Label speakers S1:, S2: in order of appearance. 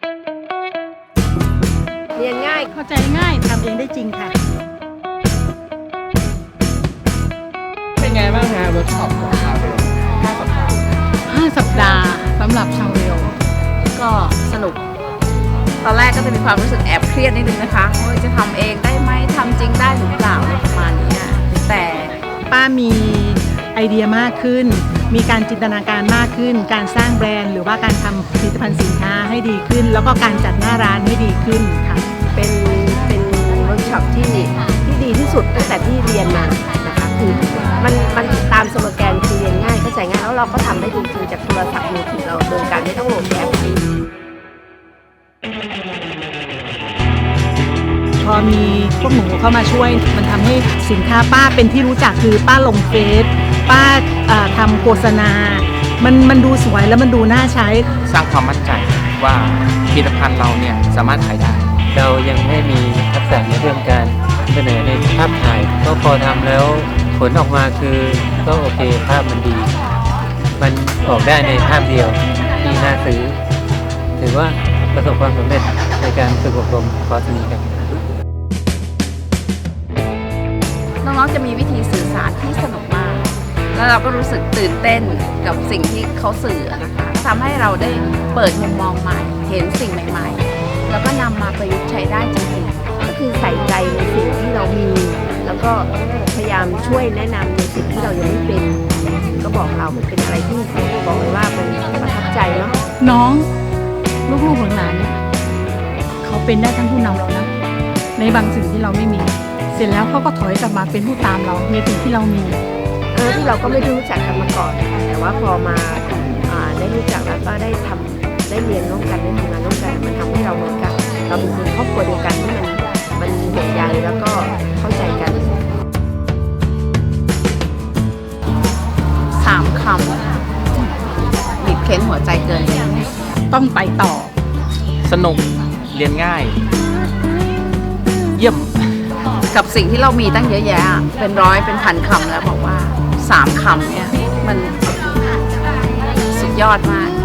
S1: เรียนง่าย
S2: เข้าใจง่ายทำเองได้จริงค่ะ
S3: เป็นไงบ้างฮะเวิร์กช็อปของชาวเร็ว5 สัปดาห์
S2: 5 สัปดาห์สำหรับชาวเร็ว
S1: ก็สนุกตอนแรกก็จะมีความรู้สึกแอบเครียดนิดนึงนะคะว่าจะทำเองได้ไหมทำจริงได้หรือเปล่าอะไรประมาณนี้แต่
S2: ป้ามีไอเดียมากขึ้นมีการจินตนาการมากขึ้นการสร้างแบรนด์หรือว่าการทำผลิตภัณฑ์สินค้าให้ดีขึ้นแล้วก็การจัดหน้าร้านให้ดีขึ้นค่ะ
S1: เป็นเวิร์กช็อปที่ดีที่สุดตั้งแต่ที่เรียนมานะคะคือมันตามสโลแกนคือเรียนง่ายเข้าใจง่ายแล้วเราก็ทำได้จริงๆจากโทรศัพท์มือถือเราโดยการไม่ต้องโหลดแอป
S2: พอมีพวกหนูเข้ามาช่วยมันทำให้สินค้าป้าเป็นที่รู้จักคือป้าลงเฟซป้าทำโฆษณามันดูสวยแล้วมันดูน่าใช้
S3: สร้างความมั่นใจว่าผลิตภัณฑ์เราเนี่ยสามารถขายได้
S4: เรายังไม่มีทักษะในเรื่องการเสนอในภาพถ่ายก็พอทำแล้วผลออกมาคือก็โอเคภาพมันดี มันออกได้ในภาพเดียวที่น่าซื้อถือว่าประสบความสำเร็จในการฝึกอบรมคอร์สนี้ครับ
S1: น้องๆจะมีวิธีสื่อสารที่สนุกมากแล้วเราก็รู้สึกตื่นเต้นกับสิ่งที่เขาสื่อนะคะทำให้เราได้เปิดมุมมองใหม่เห็นสิ่งใหม่ๆแล้วก็นำมาประยุกต์ใช้ได้จริงๆก็คือใส่ใจในสิ่งที่เรามีแล้วก็พยายามช่วยแนะนำในสิ่งที่เรายังไม่เป็นก็บอกเรามันเป็นอะไรที่บอกเลยว่ามันประทับใจเนาะ
S2: น้องลูกๆหลานๆเนี่ยเขาเป็นได้ทั้งผู้นำเรานะในบางสิ่งที่เราไม่มีเสร็จแล้วเขาก็ถอยกลับมาเป็นผู้ตามเราในสิ่งที่เรามี
S1: ที่เราก็ไม่ได้รู้จักกันมาก่อนแต่ว่าพอมาได้รู้จักแล้วก็ได้ทำได้เรียนร่วมกันได้ทำงานร่วมกันมันทำให้เราเหมือนกับเราเป็นคนครอบครัวเดียวกันที่มันห่วงใยแล้วก็เข้าใจกัน3 คำบีบเค้นหัวใจเกิน
S2: ต้องไปต่อ
S3: สนุกเรียนง่ายเยี่ยม
S1: กับสิ่งที่เรามีตั้งเยอะแยะเป็นร้อยเป็นพันคำแล้วบอกว่า3 คำเนี่ยมันสุดยอดมาก